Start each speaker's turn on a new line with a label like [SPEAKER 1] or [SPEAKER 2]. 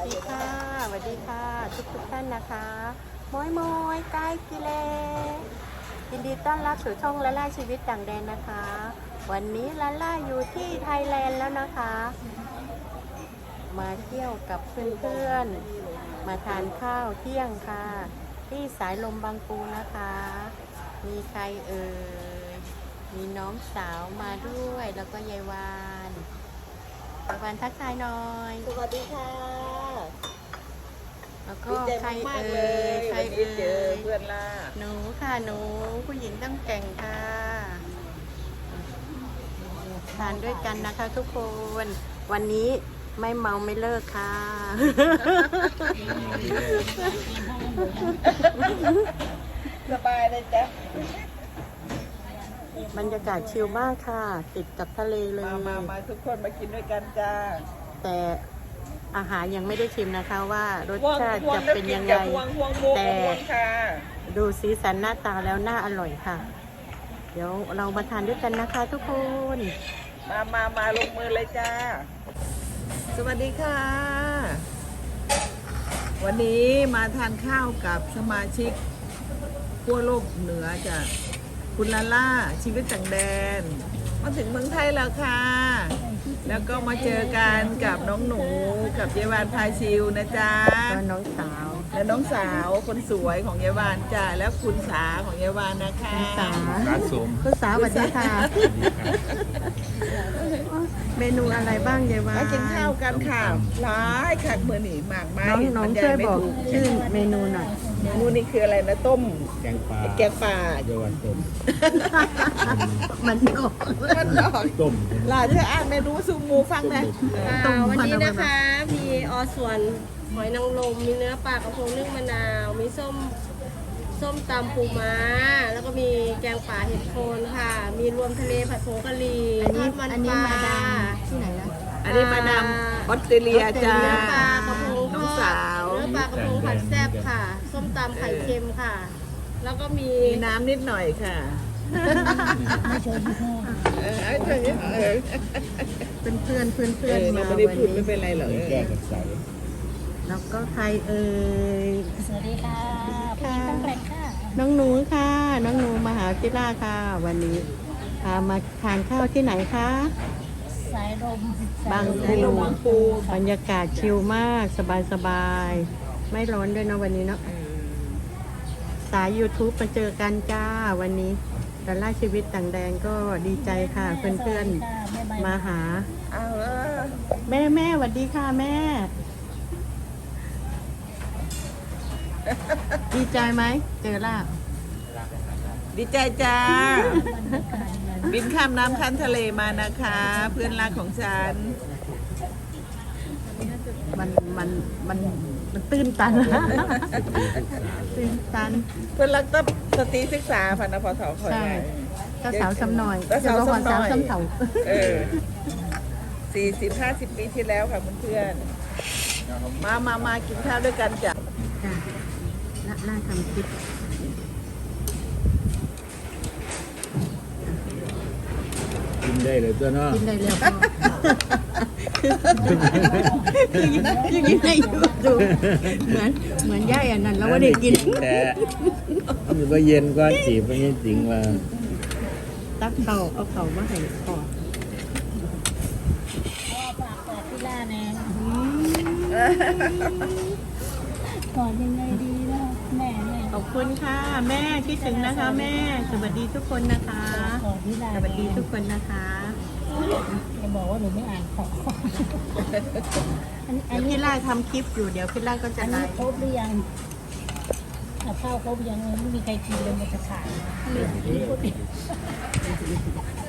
[SPEAKER 1] ดีค่ะสวัสดีค่ะทุกท่านนะคะมอยมอยใกล้กิเลยินดีต้อนรับสู่ช่องละล่าชีวิตต่างแดนนะคะ วันนี้ละล่าอยู่ที่ไทยแลนด์แล้วนะคะ มาเที่ยวกับเพื่อนๆมาทานข้าวเที่ยงค่ะ ที่สายลมบางปูนะคะ มีใครเอ่ยมีน้องสาวมาด้วยแล้วก็ยายวานทักทายหน่อย
[SPEAKER 2] สวัสดีค่ะ
[SPEAKER 1] แล้วก็
[SPEAKER 2] ดีใจ
[SPEAKER 1] ใคร
[SPEAKER 2] มาก
[SPEAKER 1] เอ่
[SPEAKER 2] ๆเลย
[SPEAKER 1] ใคร
[SPEAKER 2] วันนี้
[SPEAKER 1] เอ่
[SPEAKER 2] เจอย เพื่อนล่า
[SPEAKER 1] หนูค่ะหนูผู้หญิงต้องแก่งค่ะทานด้วยกันนะคะทุกคนวันนี้ไม่เมาไม่เลิกค่ะ
[SPEAKER 2] สบายเลยจ้ะ
[SPEAKER 1] บรรยากาศชิลมากค่ะ ติดกับทะเลเลย
[SPEAKER 2] มาทุกคนมากินด้วยกันจ้า
[SPEAKER 1] แต่อาหารยังไม่ได้ชิมนะคะว่ารสชาติจะเป็นยังไง แต่
[SPEAKER 2] ค่ะ
[SPEAKER 1] ดูสีสันหน้าตาแล้วน่าอร่อยค่ะ เดี๋ยวเรามาทานด้วยกันนะคะทุกคน
[SPEAKER 2] มาลงมือเลยจ้า สวัสดีค่ะ วันนี้มาทานข้าวกับสมาชิกขั้วโลกเหนือจ้ะคุณลาล่าชีวิตต่างแดน มาถึงเมืองไทยแล้วค่ะ แล้วก็มาเจอกันกับน้องหนูกับเยวานพาชิวนะจ๊ะ
[SPEAKER 1] ก็น้องสาว
[SPEAKER 2] และน้องสาวคนสวยของเยวานจ้ะแล้วคุณสาของเยวานนะคะ
[SPEAKER 1] คุณสา
[SPEAKER 3] ร้านสม
[SPEAKER 1] คุณสาวสวัสดีค่ะ เมนูอะไรบ้างยายวา
[SPEAKER 2] มากินข้าวกันค่ะร้ายคักมือหนีหมากไม้
[SPEAKER 1] น้อง
[SPEAKER 2] บรร
[SPEAKER 1] ช่วย
[SPEAKER 2] ไม่
[SPEAKER 1] บอก
[SPEAKER 2] ถูก
[SPEAKER 1] ชื่อเมนูหน่อย
[SPEAKER 2] เมนูนี้คืออะไรนะต้ม
[SPEAKER 3] แกงปลา
[SPEAKER 2] แกงป่า
[SPEAKER 3] เยาวันต้ม
[SPEAKER 1] มันออก
[SPEAKER 2] มันดอก
[SPEAKER 3] ต้ม
[SPEAKER 2] หลานเธออ่านเมนูซูมูฟังนะ
[SPEAKER 4] วันนี้นะคะมีส่วนหอยนางรมมีเนื้อปลากระพงนึ่งมะนาว มีส้มตำปูม้า แล้วก็มีแกงป่าเห็ดโคนค่ะ มีรวมทะเลผัดผงกะหรี่ทอดมันปลา
[SPEAKER 1] ที่ไหนนะ
[SPEAKER 2] อันนี้มานำออสเตรเลียจ้า
[SPEAKER 4] เนื้อปลากระพงท
[SPEAKER 2] น้อง
[SPEAKER 4] อ
[SPEAKER 2] สา
[SPEAKER 4] ด
[SPEAKER 2] ว
[SPEAKER 4] เนื้อปลากระพงผัดแซ่บค่ะ ส้มตำไข่เค็มค่ะ แล้วก็มี
[SPEAKER 2] มีน้ำนิดหน่อยค่ะไม่ชน
[SPEAKER 1] เป็นเพื่อน
[SPEAKER 2] เรา
[SPEAKER 1] มา
[SPEAKER 2] ไม่ได้
[SPEAKER 1] วัน
[SPEAKER 2] พูดไม่
[SPEAKER 1] นี้
[SPEAKER 2] เป็นไรหรอก
[SPEAKER 3] แก้กับใส
[SPEAKER 1] แล้วก็ใครเอ่ย
[SPEAKER 5] สวัสดีค่ะผู้หญิงต้องแกร่งค่ะ
[SPEAKER 1] น้องหนูค่ะ น้องหนูมหาวิทยาลัยค่ะ วันนี้พามาทานข้าวที่ไหนคะ
[SPEAKER 5] สายลม
[SPEAKER 1] บาง
[SPEAKER 2] ในโรงบางปู
[SPEAKER 1] บรรยากาศชิลมากสบายๆไม่ร้อนด้วยเนาะวันนี้เนาะสาย YouTube มาเจอกันจ้าวันนี้แต่ล่าชีวิตต่างแดนก็ดีใจค่ะ เพื่อนๆมาหา
[SPEAKER 2] เอาเออ
[SPEAKER 1] แม่สวัสดีค่ะแม่ ดีใจไหมเจอล่า
[SPEAKER 2] ดีใจจ้า บินข้ามน้ำข้ามทะเลมานะคะ เพื่อนรักของฉัน
[SPEAKER 1] มันตื้นตัน ตื้นตัน
[SPEAKER 2] เพื่อนรักต้องสตรีศึกษาพันธุ์พอสอคอย
[SPEAKER 1] ใช่เจ้าสาวสำหน่อย
[SPEAKER 2] เจ้าสาวสำหน่อย
[SPEAKER 1] เจ้าสาวสำเถา
[SPEAKER 2] 40-50 ปีที่แล้วค่ะเพื่อนๆมากินข้าวด้วยกันจ้ะ
[SPEAKER 1] ค่ะล่าทำคลิป
[SPEAKER 3] กินได้เลยตัวเนาะ
[SPEAKER 1] กินได้เร็วพ่อคือยังกินได้อยู่ดูเหมือนย่ายอันนั้นแล้วว่าได้กิน
[SPEAKER 3] แต่มันก็เย็นกว่าจีบมันยังจริงว่า
[SPEAKER 1] ตักเอาเขามาให้พอ
[SPEAKER 5] พ่อฝากบอกพี่ล่าแน่ก่อนยังไงดีนะแม่
[SPEAKER 1] ขอบคุณค่ะ แม่คิดถึงนะคะ แม่สวัสดีทุกคนนะคะ
[SPEAKER 5] ก่อนพี่ล่า
[SPEAKER 1] สวัสดีทุกคนนะคะ
[SPEAKER 5] จะบอกว่าหนูไม่อ่านของอัน
[SPEAKER 1] เดี๋ยว
[SPEAKER 5] นี้
[SPEAKER 1] พี่ล่าทำคลิปอยู่เดี๋ยวพี่ล่าก็จะ
[SPEAKER 5] อัน
[SPEAKER 1] ไล
[SPEAKER 5] นี้
[SPEAKER 1] ฟ์
[SPEAKER 5] ครบหรือยังกับข้าวครบยังไม่มีใครกินเลยมันจะขาด